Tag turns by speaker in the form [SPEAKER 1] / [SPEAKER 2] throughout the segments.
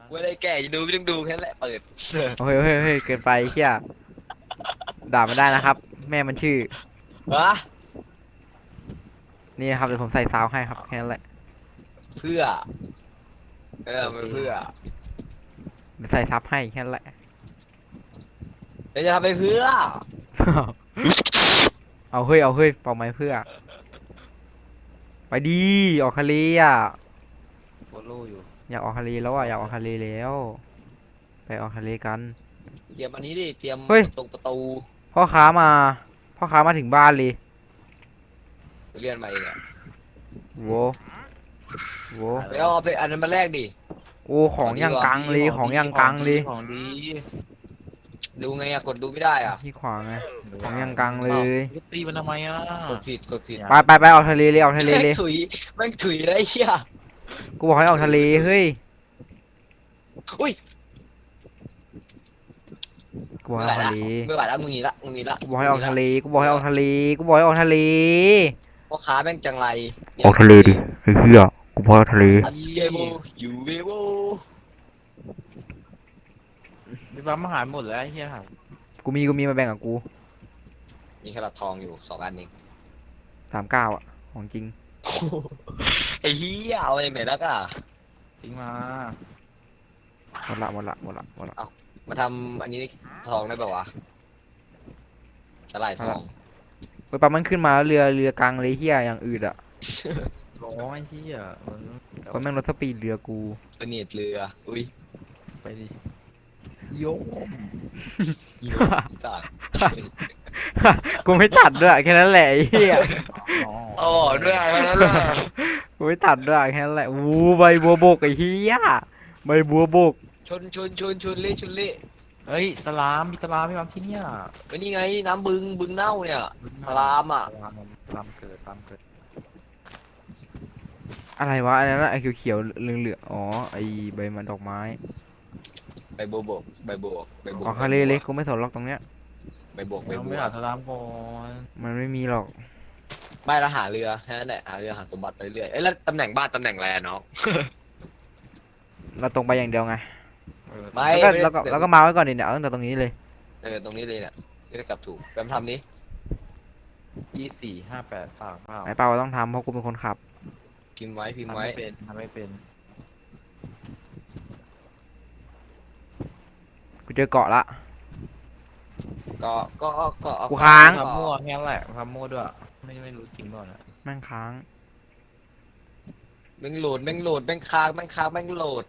[SPEAKER 1] กูไม่ได้แก่จะดูไม่ต้องดูแค่นั้นแหละเปิด
[SPEAKER 2] โอ้ยเฮ้ยเฮ้ยเกินไปเฮียด่ามันได้นะครับแม่มันชื่อ
[SPEAKER 1] วะ
[SPEAKER 2] นี่นะครับเดี๋ยวผมใส่ซาวให้ครับแค่นั้นแหละ
[SPEAKER 1] เพื่อมันเพื่อ
[SPEAKER 2] เดี๋ยวใส่ซับให้แค่นั้นแหละ
[SPEAKER 1] เดี๋ยวจะทำไปเพื่อ
[SPEAKER 2] เอาเฮ้ยเอาเฮ้ยเป่าไม้เพื่อไปดีออกทะเลอ่ะ
[SPEAKER 3] โคโล่อยู่
[SPEAKER 2] อยากออกทะเลแล้วอ่ะอยากออกทะเลแล้วไปออกทะเลกัน
[SPEAKER 1] เตรียมอันนี้ดิเตรียม
[SPEAKER 2] เฮ้ย
[SPEAKER 1] ตรงประตู
[SPEAKER 2] พ่อค้ามาพ่อค้ามาถึงบ้านเลย
[SPEAKER 1] เรียนมาเองอะ
[SPEAKER 2] โวโว
[SPEAKER 1] ไปเอาไปอันนั้นมาแลกดิ
[SPEAKER 2] โอ้ของยังกังเลยของยังกังเลย
[SPEAKER 3] ของดี
[SPEAKER 1] ดูไงอะกดดูไม่ได้อะ
[SPEAKER 2] ที่ขวางไงของยังกังเลย
[SPEAKER 3] จะตีมันทำไมอ่ะ
[SPEAKER 1] กดผิด
[SPEAKER 2] ไปออกทะเลเลยออกทะเลเลย
[SPEAKER 1] ถุยแม่งถุยเลยไอ้เหี้ย
[SPEAKER 2] กูบอกให้ออกทะเลเฮ้ย
[SPEAKER 1] อุ้ย
[SPEAKER 2] กูบอกให้ออกทะเล
[SPEAKER 1] ไม่ไหวแล้วมึงหนีละมึงหนีละ
[SPEAKER 2] กูบอกให้ออกทะเลกูบอกให้ออกทะเลกูบอกให้ออกทะเล
[SPEAKER 1] พ่อค้าแม่งจังไร
[SPEAKER 2] ออกทะเลดิไอ้เหี้ยกูบอกให้ออกทะเล
[SPEAKER 1] อัสเกโบยูเวโบ
[SPEAKER 3] มีปั๊มอาหารหมดแล้วไอ้เหี้ยหา
[SPEAKER 2] กูมีมาแบ่งกับกู
[SPEAKER 1] มีขนาดทองอยู่2 อันเอง
[SPEAKER 2] 39อ่ะของจริง
[SPEAKER 1] ไอ้เหี้ยเอาอย่างไหนแล้วก็
[SPEAKER 3] ทิ้งมา
[SPEAKER 2] หมดละ
[SPEAKER 1] มาทำอันนี้ทองได้ป่าวะสลายทอง
[SPEAKER 2] ไปปั๊มมันขึ้นมาแล้วเรือกลางเลยเหี้ยอย่างอื่นอ่ะ
[SPEAKER 3] ร้องไอ้เหี้ยมึง
[SPEAKER 2] ก็แม่งลดสปีดเรือกู
[SPEAKER 1] เสนียดเรืออุ้ย
[SPEAKER 3] ไปดิโยม
[SPEAKER 1] ยิงจัด
[SPEAKER 2] กูไม่ตัดด้วยแค่นั้นแหละไอ้เหี้ย
[SPEAKER 1] อ๋อด้วยอันนั้นแหละ
[SPEAKER 2] กูไม่ตัดด้วยแค่นั้นแหละอู้ใบบัวบกไอ้เหี้ยใบบัวบก
[SPEAKER 1] ชนเละชนเละ
[SPEAKER 3] เฮ้ยสลามมีสลามไม่ปั๊มที่เนี่ย
[SPEAKER 1] ไอ้นี่ไงน้ำบึงเน่าเนี่ย สลามอ่ะ
[SPEAKER 3] สลามเกิดสลามเกิด
[SPEAKER 2] อะไรวะอันนั้นอะไอ้เขียวๆเหลืองๆอ๋อไอ้ใบมันดอกไม้
[SPEAKER 1] ใบบัวบกใบบัวบกใบบัว
[SPEAKER 2] ออกทะเลเลยกูไม่สนหรอกตรงเนี้ย
[SPEAKER 1] ใบบัวใบ
[SPEAKER 3] เรา
[SPEAKER 1] บั
[SPEAKER 3] ไม่
[SPEAKER 1] ว
[SPEAKER 3] หาสลามก่อน
[SPEAKER 2] มันไม่มีหรอก
[SPEAKER 1] ไม่ละหาเรือแค่นั้นแหละหาเรือหาสมบัติไปเรื่อยเอ้ยแล้วตำแหน่งบ้านตำแหน่งอะไรอะน้อง
[SPEAKER 2] เราตรงไปอย่างเดียวไง
[SPEAKER 1] ไม่
[SPEAKER 2] แล้วก็มาไว้ก่อนดิเนี่ยเอาตั้งแต่ตรงนี้เลย
[SPEAKER 1] ตรงนี้เลยเนี่ยจะกลับถูกแปมทำนี้
[SPEAKER 3] 245839
[SPEAKER 2] ไอ้เปาต้องทำเพราะกูเป็นคนขับ
[SPEAKER 1] พิมพ์ไว้พิมพ์
[SPEAKER 3] ทำ
[SPEAKER 1] ไว้
[SPEAKER 3] ไม่เป็นทำไม่เป็น
[SPEAKER 2] กูเจอเกาะละ
[SPEAKER 1] ก็
[SPEAKER 2] กูค้าง
[SPEAKER 3] ทำมั่วแค่นั้นแหละทำมั่วด้วยไม่รู้จริงก่อนอะ
[SPEAKER 2] แม่งค้าง
[SPEAKER 1] แม่งโหลดแม่งค้างแม่งโหลด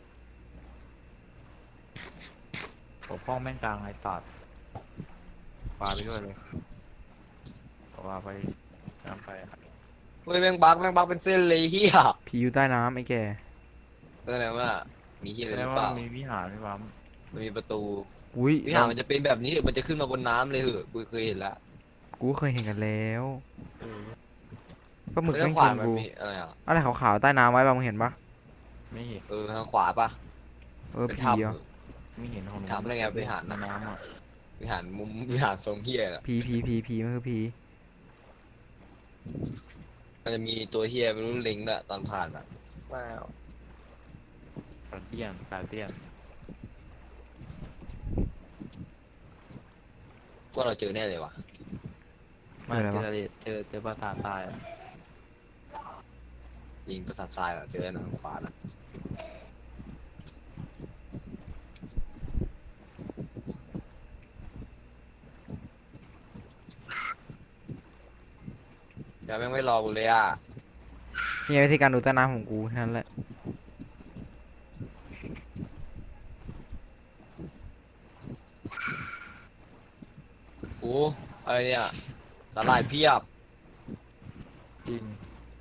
[SPEAKER 3] ปกป้องแม่งกลางไอ้ตัดปลาไปด้วยเลยปลาไปน้ำไปอะ
[SPEAKER 1] เฮ้ยแม่งบักเป็นเส้นเลยเฮีย
[SPEAKER 2] ผีอยู่ใต้น้ำไอ้แก
[SPEAKER 1] แสดงว่ามีเฮียอะ
[SPEAKER 3] แส
[SPEAKER 1] ไรห
[SPEAKER 3] ด
[SPEAKER 1] รื
[SPEAKER 3] ง
[SPEAKER 1] อเป
[SPEAKER 3] ว่า
[SPEAKER 1] ล่า
[SPEAKER 3] มีวิหารพี่ปั๊ม
[SPEAKER 1] มันมีประตู
[SPEAKER 2] อุ้ย
[SPEAKER 1] วิหารมันจะเป็นแบบนี้หรือมันจะขึ้นมาบนน้ำเลยเหอะกูเคยเห็นละ
[SPEAKER 2] กูเคยเห็นกันแล้ว
[SPEAKER 3] เออ
[SPEAKER 2] ปลาหมึก
[SPEAKER 1] แล้ว
[SPEAKER 2] แม่ง
[SPEAKER 1] ขวา
[SPEAKER 2] กิน
[SPEAKER 1] มัน
[SPEAKER 2] กู
[SPEAKER 1] มีอะไรอ่ะ
[SPEAKER 2] อะไรขาวๆใต้น้ำไว้บ้างมึงเห็นปะ
[SPEAKER 3] ไม่เห็น
[SPEAKER 1] ทางขวาปะ เป็น
[SPEAKER 2] ผี
[SPEAKER 1] ถ้ำ
[SPEAKER 2] อ่ะ
[SPEAKER 3] ไม่เห็นของหนู
[SPEAKER 1] ถามได้ไงวิหาร
[SPEAKER 3] ในน้ำอ่ะ
[SPEAKER 1] วิหารมุมวิหารทรงเฮียน่ะ
[SPEAKER 2] ผีมันคือผี
[SPEAKER 1] มันจะมีตัวเฮียไม่รู้ลิงด้วยตอนผ่านอ่ะว้าว
[SPEAKER 3] กาเตียน
[SPEAKER 1] พวกเราเจอแน่เลยว่ะ
[SPEAKER 3] มาเจอปราสาทตายอ่ะ
[SPEAKER 1] ยิงประสาททรายอ่ะเจอทางขวาน่ะเดี๋ยวแม่งไม่รอกูเลยอ่ะ
[SPEAKER 2] นี่วิธีการดูใต้น้ำของกูแค่นั้นแหละ
[SPEAKER 1] โอ้อะไรเนี่ยสาหร่ายเพียบ
[SPEAKER 3] จริง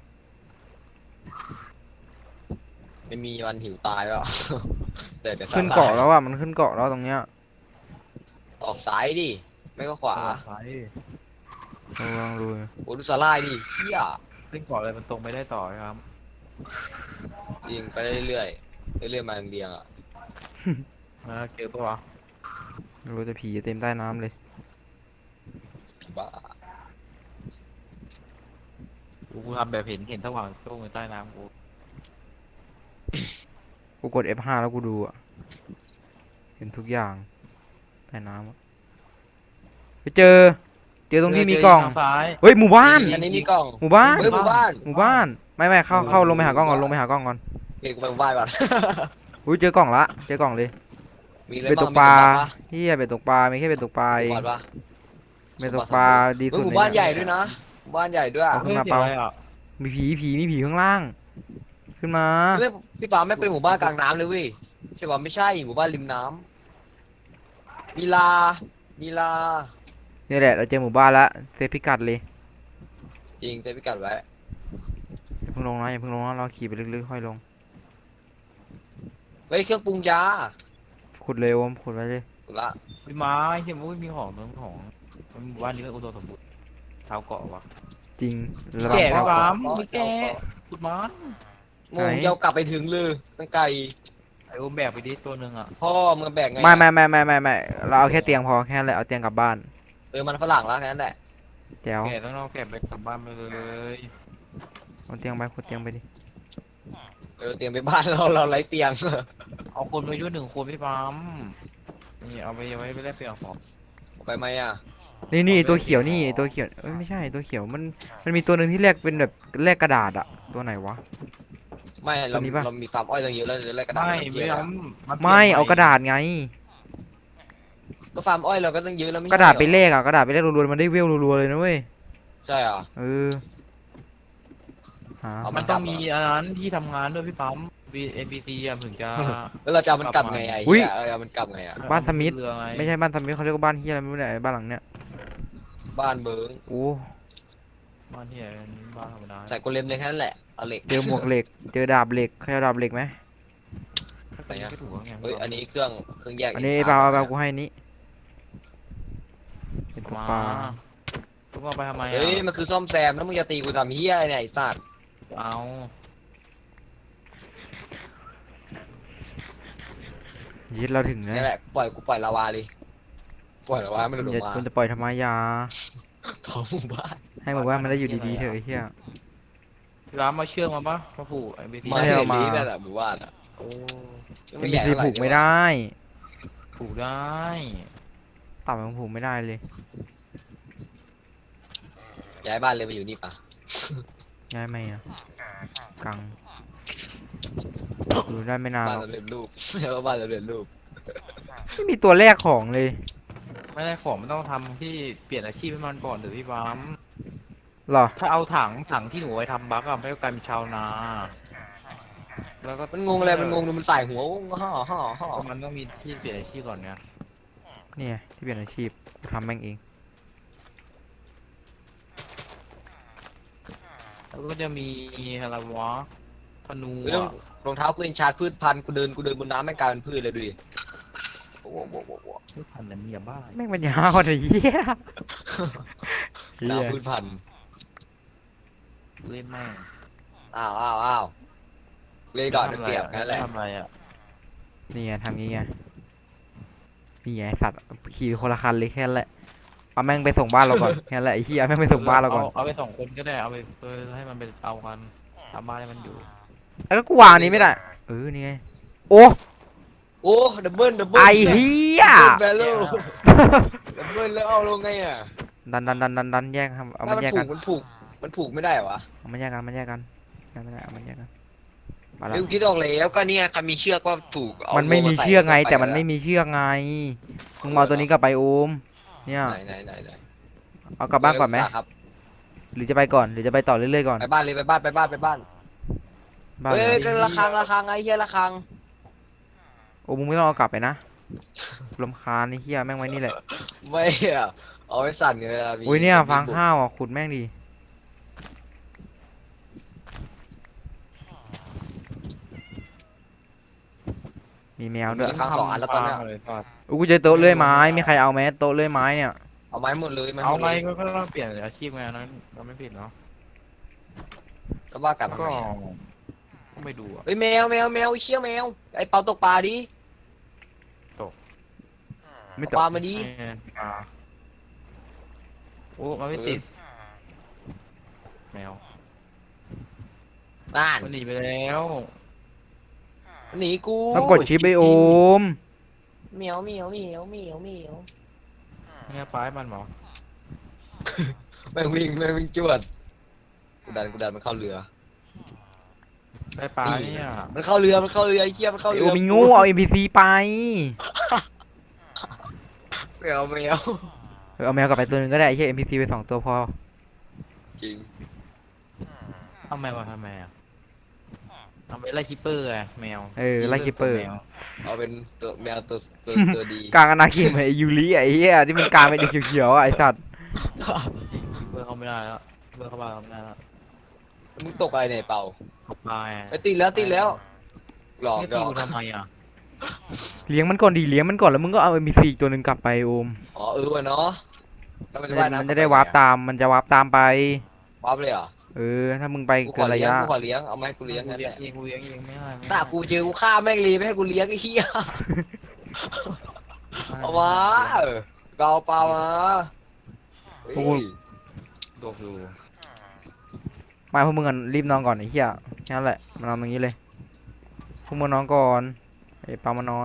[SPEAKER 1] ไม่มีวันหิวตายแล้ว แต่สาหร่าย
[SPEAKER 2] ขึ้นเกาะแล้วอ่ะมันขึ้นเกาะแล้วตรงเนี้ย
[SPEAKER 1] ออกซ้ายดิไม่ก็ขวา
[SPEAKER 3] ไป
[SPEAKER 2] ลองดู
[SPEAKER 1] โอ้ดูสาหร่ายดิเฮีย
[SPEAKER 3] ขึ้นเกาะเลยมันตรงไปได้ต่อครับ
[SPEAKER 1] ยิงไปเรื่อยๆมาเรียงๆอ่ะ
[SPEAKER 3] เจอปะวะ
[SPEAKER 2] ไม่รู้จะผีเต็มใต้น้ำเลย
[SPEAKER 1] ผีบ้า
[SPEAKER 3] กูทำแบบเห็นสว่างโจ้งอยู่ใต้น้ำกู
[SPEAKER 2] กูกด F5 แล้วกูดูอ่ะเห็นทุกอย่างใต้น้ำอะไปเจอตรงที่มีกล่อง
[SPEAKER 3] เจทาซ้าย
[SPEAKER 2] เฮ้ยหมู่บ้าน
[SPEAKER 1] อันนี้มีกล่อง
[SPEAKER 2] หมู่บ้าน
[SPEAKER 1] เฮ้ยหมู่บ้าน
[SPEAKER 2] หมู่บ้านไม่เข้าลงไปหากล้องก่อนลงไปหากล้องก่อน
[SPEAKER 1] เก็บกูไปหมู่บ้านก่อน
[SPEAKER 2] อุ้ยเจอกล่องละเจอกล่องเลย
[SPEAKER 1] มีอะไร
[SPEAKER 2] เบ็ดต
[SPEAKER 1] บ้าง
[SPEAKER 2] กปลา
[SPEAKER 1] มีสมบัติปะ
[SPEAKER 2] เฮียเบ็ดตกปลามีแค่เบ็ดตกปลา
[SPEAKER 1] มี
[SPEAKER 2] เอง
[SPEAKER 1] สมบัติปะ
[SPEAKER 2] เบ็ดตกปลาดี
[SPEAKER 1] เฮ้
[SPEAKER 2] สุ
[SPEAKER 1] ย
[SPEAKER 2] ด
[SPEAKER 1] หมู่
[SPEAKER 2] ใน
[SPEAKER 1] บ้าน
[SPEAKER 2] เย
[SPEAKER 1] ใหญ่ด้วยนะหมู่บ้านใหญ่ด้วย
[SPEAKER 2] เอาขึ้นมาเปล่า มีผีข้างล่าง ขึ้นมา
[SPEAKER 1] เฮ้ยพี่ปาไม่เป็นหมู่บ้านกลางน้ำเลยเว้ยใช่ป่ะไม่ใช่หมู่บ้านริมน้ำมีลา
[SPEAKER 2] นี่แหละเราเจอหมู่บ้านละเซฟพิกัดเลย
[SPEAKER 1] จริงเจะพิกัดไว้
[SPEAKER 2] อย่าเพิ่งลงนะอย่าเพิ่งลงนะเราขี่ไปลึกๆค่อยลง
[SPEAKER 1] เฮ้ยเครื่องปรุงยา
[SPEAKER 2] ขุดเลยโอมขุดไว้เลย
[SPEAKER 1] ถูกละ
[SPEAKER 3] มีไม้เห็นว่ามีของเมืองของหมู่บ้านนี้เป็นอุดมสมบูรณ์ชาวเกาะวะ
[SPEAKER 2] จริง
[SPEAKER 3] มี
[SPEAKER 2] ระวัง
[SPEAKER 3] แก่
[SPEAKER 2] เข้า
[SPEAKER 3] ปะ
[SPEAKER 2] ก่อน
[SPEAKER 3] มีแกะ ขุดไม้
[SPEAKER 1] โมงจะเอากลับไปถึงเลยตั้งไกล
[SPEAKER 3] ไอโอมแบกไปดิตัวหนึ่งอ่ะ
[SPEAKER 1] พ่อมึงแบกไง
[SPEAKER 2] ไม่เราเอาแค่เตียงพอแค่นั้นแหละเอาเตียงกลับบ้าน
[SPEAKER 1] มันฝรั่งแล้วแค่นั้นแหละ
[SPEAKER 2] แจ๋ว
[SPEAKER 3] แกะต้องเอาแกะไปกลับบ้านไปเลย
[SPEAKER 2] เอาเตียงไปขุดเตียงไปดิ
[SPEAKER 1] เตรียมไปบ้านเราไร้เตียง
[SPEAKER 3] เอาคนไปช่วยหนึ่งคนพี่ปั๊มนี่เอาไปไว้ไปแลกเปลี่ยนของ
[SPEAKER 1] ไปไหมอ่ะ
[SPEAKER 2] นี่ไอ้ตัวเขียวนี่ไอ้ตัวเขียวเอ้ยไม่ใช่ไอ้ตัวเขียวมันมีตัวหนึ่งที่แลกเป็นแบบแลกกระดาษอะตัวไหนวะ
[SPEAKER 1] ไม่เรา
[SPEAKER 2] ตัวนี้ปะ
[SPEAKER 1] เรามีฟาร์มอ้อยตั้งเยอะแล้วจะไล่กระดาษ
[SPEAKER 3] ไม่
[SPEAKER 1] น
[SPEAKER 3] ไม่
[SPEAKER 1] เยอะ
[SPEAKER 3] เอา
[SPEAKER 1] อะ
[SPEAKER 2] ไม่เอากระดาษไง
[SPEAKER 1] ก็ฟาร์มอ้อยเราก็ตั้งเยอะแล้วไม่
[SPEAKER 2] กระดาษไป
[SPEAKER 1] ใช่เห
[SPEAKER 2] เลขอะกระดาษไปเลขรัวๆมันได้เวลรัวๆเลยนะเว้ย
[SPEAKER 1] ใช่เหรอ
[SPEAKER 2] เออหา
[SPEAKER 1] เอา
[SPEAKER 3] มันต้องมีอันนั้นที่ทำงานด้วยพี่ปั๊ม NPC อ่ะถึงจะ
[SPEAKER 1] แล้วเราจะเอามันกลับไงไอ้เหี้ยเราจะเอามันกลับไงอ่ะ
[SPEAKER 2] บ้านสมิธ
[SPEAKER 3] เรือไง
[SPEAKER 2] ไม่ใช่บ้านสมิธเขาเรียกว่าบ้านเฮียอะไรไม่รู้เนี่ยไอ้บ้านหลังเนี้ย
[SPEAKER 1] บ้านเบิง
[SPEAKER 2] โอ้
[SPEAKER 3] บ้านที่ไหนบ้านธรรมดา
[SPEAKER 1] ใส่โกเลมเลยแค่นั้นแหละเอาเหล็ก
[SPEAKER 2] เจอหมวกเหล็กเจอดาบเหล็กใครเอาดาบเหล็กไหม
[SPEAKER 1] ไหนอะ
[SPEAKER 3] ก็ถูกแล้วไง
[SPEAKER 1] เฮ้ยอันนี้เครื่องแยก
[SPEAKER 2] อันนี้
[SPEAKER 1] ก
[SPEAKER 2] ไอ้
[SPEAKER 1] ช
[SPEAKER 2] เปล่ากูให้นี้เป็นตัว
[SPEAKER 3] มา
[SPEAKER 2] ปลา
[SPEAKER 3] ทุกคนไปทำไม
[SPEAKER 1] เฮ้ย
[SPEAKER 3] อ่ะ
[SPEAKER 1] มันคือซ่อมแซมแล้วมึงจะตีกูทำเหี้ยอะไรเนี่ยไอ้สัตว์
[SPEAKER 3] เอา
[SPEAKER 2] ยึดเราถึงนะ
[SPEAKER 1] นี่แหละกูปล่อยลาวาดิปล่อยลาวาให้มันหลุด
[SPEAKER 2] อย่า
[SPEAKER 1] มา
[SPEAKER 2] คุณจะปล่อยทำไมยา
[SPEAKER 1] ท้องหมู่บ้าน
[SPEAKER 2] ให้หมู่บ้านมันได้อยู่ดีๆเถอะไอ้เหี้ย
[SPEAKER 3] ร้านมาเชื่องมาปะมาผูกไอ้บีที
[SPEAKER 2] ไม่ได้เอามา
[SPEAKER 1] นั่นแหละหมู่บ้านอ่ะ
[SPEAKER 3] โอ้
[SPEAKER 2] เอ็นบีซีผูกไม่ได้
[SPEAKER 3] ผูกได้
[SPEAKER 2] ต่ำมันผูกไม่ได้เลย
[SPEAKER 1] ย้ายบ้านเลยมาอยู่นี่ปะ
[SPEAKER 2] ย้ายไหมอ่ะกังอยู่ได้ไม่นาน
[SPEAKER 1] บ้าน
[SPEAKER 2] หรอก
[SPEAKER 1] เราเรียนรูป แล้วบ้านเราเรียนรูป
[SPEAKER 2] ไม่มีตัวแรกของเลย
[SPEAKER 3] ไม่ได้ของมันต้องทำที่เปลี่ยนอาชีพให้มันก่อนหรือพี่ปั๊ม
[SPEAKER 2] หรอ
[SPEAKER 3] ถ้าเอาถังที่หนูไว้ทำบัคอะไม่ก็กลายเป็นชาวนา แล้วก็
[SPEAKER 1] มันงงอะไรมันงงดูมันใส่หัวห่อ
[SPEAKER 3] มันต้องมีที่เปลี่ยนอาชีพก่อนไง
[SPEAKER 2] เนี่ยที่เปลี่ยนอาชีพกูทำแม่งเอง
[SPEAKER 3] แล้วก็จะมีอะไรวะธนู
[SPEAKER 1] เรื่อง
[SPEAKER 3] อะ
[SPEAKER 1] รองเท้ากูเอนชาร์จพืชพันธุ์กูเดินบนน้ำไม่งกลายเป็นพืชเลยดูดิโอ้โห
[SPEAKER 3] พืชพันธุ์นั้นมียบ้า
[SPEAKER 2] แม่งปัญญาอ่อนไอ้เหี้ยเหี้ย
[SPEAKER 1] น้ำพืชพันธุ์
[SPEAKER 3] เล่นแม่ง
[SPEAKER 1] อ้าวเลยดอดได้เปรียบแค่นั้นแหละ
[SPEAKER 3] ทำอะไรอะ
[SPEAKER 2] นี่ไงทำงี้ไงนี่ไงสัตว์ขี่คนละคันเลยแค่นั้นแหละเอาแม่งไปส่งบ้านเราก่อนแค่นั้นแหละไอ้เหี้ยแม่งไปส่งบ้านเราก่อน
[SPEAKER 3] เอาไป2 คนก็ได้เอาไปให้มันไปเอากันทำบ้านให้มันอยู่
[SPEAKER 2] แล้วก็กูวางอันนี้ไม่ได้นี่ไงโอ้
[SPEAKER 1] โอ้ดับเบิล
[SPEAKER 2] ไอ้เหี้ย
[SPEAKER 1] แบลลูดับเบิลแล้วเอาลงไงอ่ะ
[SPEAKER 2] ดันแยกครับเอา
[SPEAKER 1] ถ้า
[SPEAKER 2] มัน
[SPEAKER 1] มัน
[SPEAKER 2] แยก
[SPEAKER 1] ผู
[SPEAKER 2] กั
[SPEAKER 1] ก
[SPEAKER 2] น
[SPEAKER 1] มันผูกไม่ได้เหรอวะ
[SPEAKER 2] เอามันแยกกันแยกไม่ได้เอามันแยกกันมาละ
[SPEAKER 1] เรื่องคิดออกแล้วก็เนี่ยใครมีเชือกว่าผูกเอา
[SPEAKER 2] มันไม่มี
[SPEAKER 1] โซ่าใส่
[SPEAKER 2] เชือกไง
[SPEAKER 1] ป
[SPEAKER 2] แต่มันไม่มีเชือกไงมึงมาเอาตัวนี้กลับไปโอมเนี่ย
[SPEAKER 1] ไหน
[SPEAKER 2] เอากลับบ้านก่อนไหม
[SPEAKER 1] ครับ
[SPEAKER 2] หรือจะไปก่อนหรือจะไปต่อเรื่อยๆก่อน
[SPEAKER 1] ไปบ้านเลยไปบ้าน
[SPEAKER 2] บ้าน
[SPEAKER 1] เฮ้ย
[SPEAKER 2] เลย
[SPEAKER 1] ก็ระฆังไอ้เหี้ยระฆัง
[SPEAKER 2] โอ้มึงไม่ต้องเอากลับไปนะรำคาญไอ้เหี้ยแม่งไว้นี่แหละ
[SPEAKER 1] ไม่อะเอาไว้สั่นเลยอะมี
[SPEAKER 2] อุ้ยเนี่ย
[SPEAKER 1] ซอมบี้
[SPEAKER 2] ฟาง
[SPEAKER 1] บุก
[SPEAKER 2] ข้าวอ่ะขุดแม่งดีมีแมวด้วย
[SPEAKER 1] ระฆัง 2 อันแล้วตอนเนี้ย
[SPEAKER 3] เลยก่อน
[SPEAKER 2] อุ้ยกูเจอโต๊ะเลื่อยไม้มีใครเอาไหมโต๊ะเลื่อยไม้เนี่ย
[SPEAKER 1] เอาไม้หมดเลย
[SPEAKER 3] เอา
[SPEAKER 1] หมด
[SPEAKER 3] ไง
[SPEAKER 1] เลย
[SPEAKER 3] ก็ต้องเปลี่ยนอาชีพไงอันนั้นเราไม่ผิดเนาะ
[SPEAKER 1] ก็ว่ากลับมา
[SPEAKER 3] ก็
[SPEAKER 1] ไงอะ
[SPEAKER 3] ก็ไม่ดูอะ
[SPEAKER 1] เฮ้ยแมวไอ้เชี่ยแมวไอ้เปาตกปลาดิ
[SPEAKER 2] ไม่ต
[SPEAKER 1] ปลาก มาดิ
[SPEAKER 3] โอ้มันไม่ติดแมว
[SPEAKER 1] บ้าน
[SPEAKER 3] มันหนีไปแล้ว
[SPEAKER 1] มันหนีกู
[SPEAKER 2] ต้องกดชิปไปโอม
[SPEAKER 1] เหมียวเหมียวเหมียวเหมียวเหมียว
[SPEAKER 3] เนี่ยปลาให้มันเหรอ
[SPEAKER 1] แม่งวิ่งจวดกูดันมันเข้าเรือ
[SPEAKER 3] ได้ปลาเนี่ย
[SPEAKER 1] มันเข้าเรือไอ้เหี้ยมันเข้า
[SPEAKER 2] ไอ
[SPEAKER 1] เรื
[SPEAKER 2] โอมมีงูเอา NPC ไป
[SPEAKER 1] แมว
[SPEAKER 2] เอาแมวกลับไปตัวหนึงก็ได้ไอ้เหี้ย NPC ไป2 ตัวพอ
[SPEAKER 1] จริง
[SPEAKER 3] ทำไมวะทำไมอ่ะทำไมไล่คิปเปอร์อะแมว
[SPEAKER 2] ไล่คิปเปอร์
[SPEAKER 3] แมว
[SPEAKER 1] เอาเป็นตัวแมวตัวดี
[SPEAKER 2] กลางอนาเขตเหมือนไอยูริไอ้เหี้ยที่มันกลางเป็นเขียวๆอะไอ้สัตว์
[SPEAKER 3] คิปเปอร์เข้าไม่ได้แล้วคิปเปอร์เข้าบ้านเข้าไม่ได้แล้ว
[SPEAKER 1] มึงตกอะไรเนี่ยเป่า
[SPEAKER 3] ตกปลาอ่ะ
[SPEAKER 1] ไอ้ติดแล้วหลอก
[SPEAKER 3] เนี่ย
[SPEAKER 1] หล
[SPEAKER 3] ตี
[SPEAKER 1] อก
[SPEAKER 3] กูทำไมอ่ะ
[SPEAKER 2] เลี้ยงมันก่อนดีเลี้ยงมันก่อนแล้วมึงก็เอา NPC อีกตัวหนึ่งกลับไปโอม
[SPEAKER 1] อ๋อวะเนาะแล้วมันจะว่ายน้ำ
[SPEAKER 2] มันจะได้วาร์ปตามมันจะวาร์ปตามไป
[SPEAKER 1] วาร์ปเลยเหรอ
[SPEAKER 2] ถ้ามึงไป
[SPEAKER 1] กูข
[SPEAKER 2] เกิ
[SPEAKER 1] อน
[SPEAKER 2] ระ
[SPEAKER 1] เลี้ยง
[SPEAKER 2] ยะ
[SPEAKER 1] กูขอเลี้ยงเอามาให้กูเลี้ยงนั่นแหละ
[SPEAKER 3] กูเลี้ยงเองไม่ได้
[SPEAKER 1] ถ้ากูเจอกูฆ่าแม่งรีไม่ให้กูเลี้ยงไอ้เหี้ยเอามาเราปลามาเฮ้ย
[SPEAKER 3] โดกอยู่
[SPEAKER 2] มาพวกมึงกันรีบนอนก่อนไอ้เหี้ยแค่นั้นแหละมานอนตรงนี้เลยพวกมึงนอนก่อนไอ้ปามานอน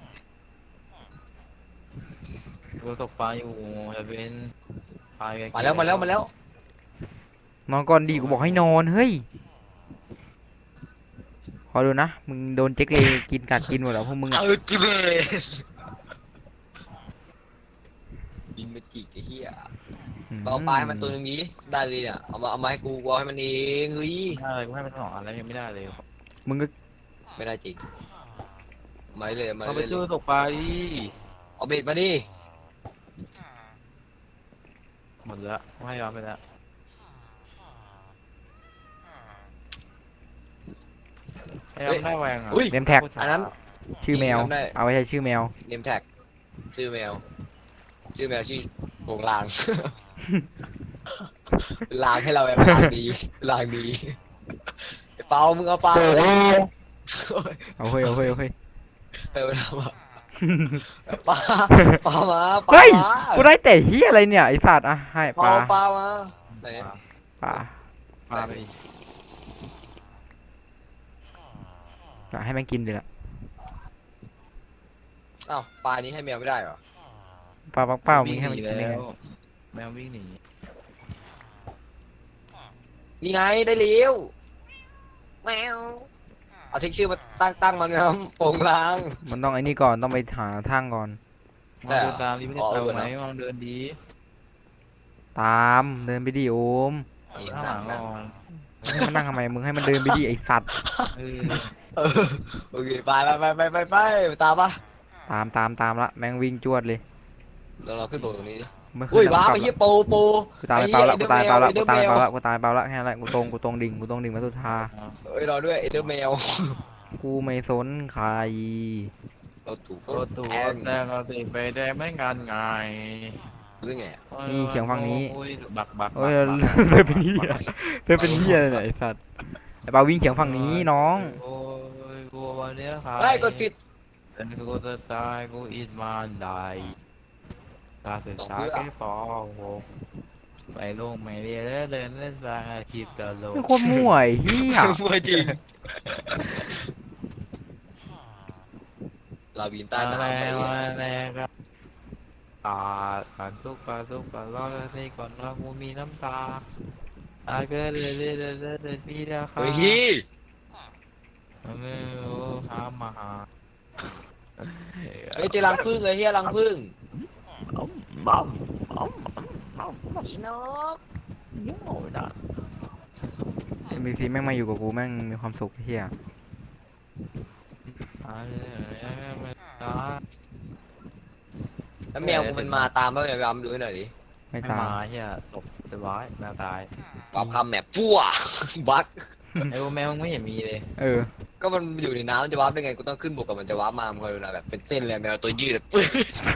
[SPEAKER 3] กูตกปลาอยู่จะเป็นปลา
[SPEAKER 1] มาแล้ว
[SPEAKER 2] นอนก่อนดีกูบอกให้นอนเฮ้ยขอดูนะมึงโดนเจ๊กเลยกินกัดกินหมดแล้วพวกมึงอะ
[SPEAKER 1] จิเบสบินมาจิกไอ้เหี้ยเราปลาให้มันตัวนึงนี้ได้เลยเนี่ยเอามาให้กูเอาให้มันเองเฮ้ย
[SPEAKER 3] ไม่ได้เลยกูให้มันสองอันแล้วยังไม่ได้เลย
[SPEAKER 2] มึงก็
[SPEAKER 1] ไม่ได้จริงไม่เลยมา
[SPEAKER 3] เราไป
[SPEAKER 1] เลย
[SPEAKER 3] เจอตกปลาดิ
[SPEAKER 1] เอาเบ็ดมาดิ
[SPEAKER 3] หมดแล้วให้เราไปแล้วให้เราได้แหวงอ่ะ
[SPEAKER 1] อุ้ย
[SPEAKER 2] เนมแท็ก
[SPEAKER 1] อันนั้น
[SPEAKER 2] ชื่อแมว
[SPEAKER 1] จำได้
[SPEAKER 2] เอาไว้ใช้ชื่อแมว
[SPEAKER 1] เนมแท็กชื่อแมวชื่อโงลาง ลางให้เราแบบลางดีไอ้เปามึงเอาปลา
[SPEAKER 2] เอาเฮ้ยเอาเฮ้ยเอาเฮ้ย
[SPEAKER 1] ไปมาทำอะปลาปลามาปลา
[SPEAKER 2] เฮ้ย
[SPEAKER 1] มา
[SPEAKER 2] กูได้แต่เฮียอะไรเนี่ยไอสัตว์อ่ะให้ปลา
[SPEAKER 1] ปลามาไหน
[SPEAKER 2] ปลา
[SPEAKER 3] ปลาไป
[SPEAKER 2] ให้มันกินดิละ
[SPEAKER 1] อ้าวปลานี้ให้แมวไม่ได้เหรอ
[SPEAKER 2] ปลาปักเป้ามึงให้มันกินได้ไง
[SPEAKER 3] แมววิ่งหนี
[SPEAKER 1] นี่ไงได้เลี้ยวแมวเอาทิ้งชื่อมาตั้งมันครับโป่งลาง
[SPEAKER 2] มันต้องไอ้นี่ก่อนต้องไปหาทางก่อน
[SPEAKER 3] มองเดินตามดิไม่ได้ตามไหมมองเดินดี
[SPEAKER 2] ตามเดินไปดิโอม
[SPEAKER 1] นี่
[SPEAKER 3] ข้างห
[SPEAKER 1] นั่
[SPEAKER 3] ลั
[SPEAKER 1] ง
[SPEAKER 3] ง
[SPEAKER 1] นั่ง
[SPEAKER 3] ก่อน
[SPEAKER 2] ให้มันนั่งทำไมมึงให้มันเดินไปดิไอสัตว์
[SPEAKER 3] เออ
[SPEAKER 1] เออโอเคไปตามปะ
[SPEAKER 2] ตามละแม่งวิ่งจวดเลย
[SPEAKER 1] เราขึ้นโบกตรงนี้ดิ
[SPEAKER 2] ไม่ขึ้
[SPEAKER 1] อุ้ย
[SPEAKER 2] น
[SPEAKER 1] ว้า
[SPEAKER 2] แล้ว
[SPEAKER 1] ไป
[SPEAKER 2] กลับ
[SPEAKER 1] เฮียโป
[SPEAKER 2] กูตายเปล่าละกูตายเปล่าละ
[SPEAKER 1] ไอ้
[SPEAKER 2] กู
[SPEAKER 1] เดอร์
[SPEAKER 2] ตาย
[SPEAKER 1] แมว
[SPEAKER 2] เปล่าละกูตายเปล่าละแค่นั้นแหละกูตรงดิ่งมาสุดทา
[SPEAKER 1] เอ้ยรอด้วยไอเดอร์แมว
[SPEAKER 2] กูไม่สนใคร
[SPEAKER 1] เราถูก
[SPEAKER 3] ตัวตัว
[SPEAKER 1] แทง
[SPEAKER 3] แต่เราติไปได้ไม่งานไง
[SPEAKER 1] หรือไง
[SPEAKER 2] นี่เสียงฝั่งนี้
[SPEAKER 3] โอ้ยบัก
[SPEAKER 2] เอ้ยเธอเป็นเฮียเธอเป็นเฮียเลยเนี่ยไอสัตว์ไอเปาวิ่งเฉียงฝั่งนี้น้อง
[SPEAKER 3] โอ้ยกูวันนี้ค่ะ
[SPEAKER 1] ไล่กดผิด
[SPEAKER 3] แต่กูจะตายกูอินมาได้การศึกษาแค่ป .6 ไปลงไม่เรียนแล้วเดินเล่นสร้างอาชีพตลก
[SPEAKER 2] เป็นโคตรมั่วไอ้เฮีย
[SPEAKER 1] มวยจริงลาวินใต้
[SPEAKER 3] มา
[SPEAKER 1] น้ำไป
[SPEAKER 3] แล้วมาแล้วครับการทุกข์ร้อนนี่ก่อนว่ากูมีน้ำตาเกิดเลยมีราคา
[SPEAKER 1] เฮ้ย
[SPEAKER 3] ไม่รู้หามาหา
[SPEAKER 1] เฮ้ยเจอรังผึ้งเลยเฮียรังผึ้งอีนก
[SPEAKER 2] เอ็มบีซีแม่งมาอยู่กับกูแม่งมีความสุขไอ้เฮีย
[SPEAKER 1] แล้วแมวกูมันมาตามแล้วไงรำดูให้หน่อยดิ
[SPEAKER 2] ไม่
[SPEAKER 3] ไม่
[SPEAKER 2] ตาม
[SPEAKER 3] มาเฮียตกเรียบร้อยแมวตาย
[SPEAKER 1] ตอบคำแมปพั่วบัก
[SPEAKER 3] ไอ้แมวมึงไม่เห็นมีเลย
[SPEAKER 2] เออ
[SPEAKER 1] ก็มันอยู่ในน้ำมันจะวาร์ปได้ไงกูต้องขึ้นบกกับมันจะวาร์ปมามึงคอยดูนะแบบเป็นเส้นเลยแมวตัวยืดแบบปื้ด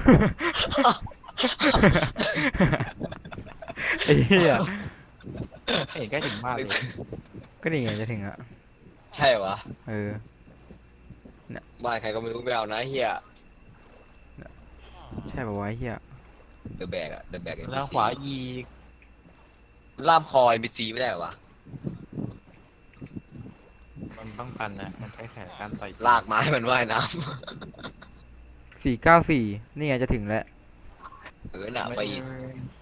[SPEAKER 2] ไอ้เฮีย
[SPEAKER 3] ไม่เห็นใกล้ถึงบ้านเลย
[SPEAKER 2] ก็นี่ไงจะถึงอะ
[SPEAKER 1] ใช่วะ
[SPEAKER 2] เออ
[SPEAKER 1] บ้านใครก็ไม่รู้ไม่เอานะเฮีย
[SPEAKER 2] ใช่ป่าววะไอ้เฮีย
[SPEAKER 1] เดอะแบกอะเดอะแบก
[SPEAKER 3] แล้วขวาอีก
[SPEAKER 1] ล่ามคอยบีซีไม่ได้เหรอวะ
[SPEAKER 3] มันไปป้องกันนะมันใช้แขนการต่อย
[SPEAKER 1] ลากไม้มันว่ายน้
[SPEAKER 2] 494นี่ไงจะถึงแล้ว
[SPEAKER 1] ำน่ะ
[SPEAKER 3] ไม่
[SPEAKER 1] ไปอีก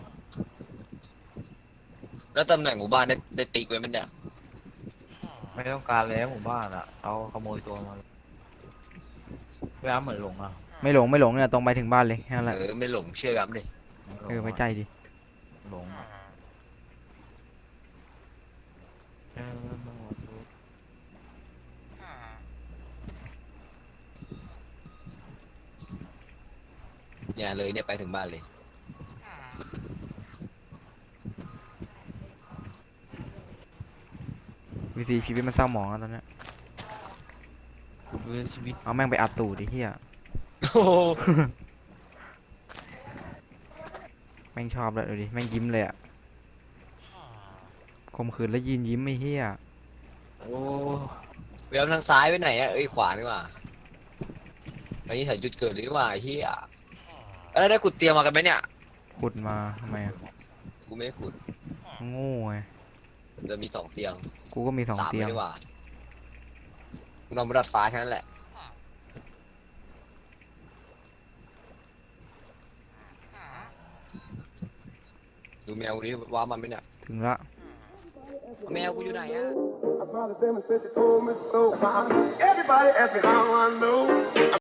[SPEAKER 1] แล้วตำแหน่งหมู่บ้านได้ติ๊กไว้มันเนี่ย
[SPEAKER 3] ไม่ต้องการแล้วหมู่บ้านอ่ะเอาขโมยตัวมาเวลาเหมือนหลงอ่ะ
[SPEAKER 2] ไม่หลงเนี่ยตรงไปถึงบ้านเลยแค่นั้นแหละ
[SPEAKER 1] ไม่หลงเชื่อครับดิ
[SPEAKER 2] ไว้ใจดิ
[SPEAKER 3] หลงอะเออ
[SPEAKER 1] เนี่ยเลยเนี่ยไปถึงบ้านเลย
[SPEAKER 2] วิธีชีวิตมันเศร้าหมองแล้วตอนเนี้ย
[SPEAKER 3] ดูชีวิต
[SPEAKER 2] เอาแม่งไปอัดตูดดิเฮีย
[SPEAKER 1] โอ้โห
[SPEAKER 2] แม่งชอบเลยดูดิแม่งยิ้มเลยอะข่มขืนแล้วยืนยิ้มไอ้เฮีย
[SPEAKER 3] โอ้
[SPEAKER 1] เวลทางซ้ายไปไหนอ่ะขวานี่หว่าอันนี้ถ่ายจุดเกิดเลยนี่หว่าไอ้เฮียแล้วได้ขุดเตรียมมากันไหมเนี่ย
[SPEAKER 2] ขุดมาทำไมอะ
[SPEAKER 1] กูไม่ได้ขุด
[SPEAKER 2] โง่ไง
[SPEAKER 1] จะมี2 เตียง
[SPEAKER 2] กูก็มี2
[SPEAKER 1] 3
[SPEAKER 2] เตียง
[SPEAKER 1] ไม่ได้ว่ากูนอนบนดาดฟ้าแค่นั้นแหละดูแมวกูนี่ว่ามันไหมเนี่ย
[SPEAKER 2] ถึงละ
[SPEAKER 1] แมวกูอยู่ไหนอ่ะ
[SPEAKER 4] I probably them and said they told me so. Everybody asked me how I know.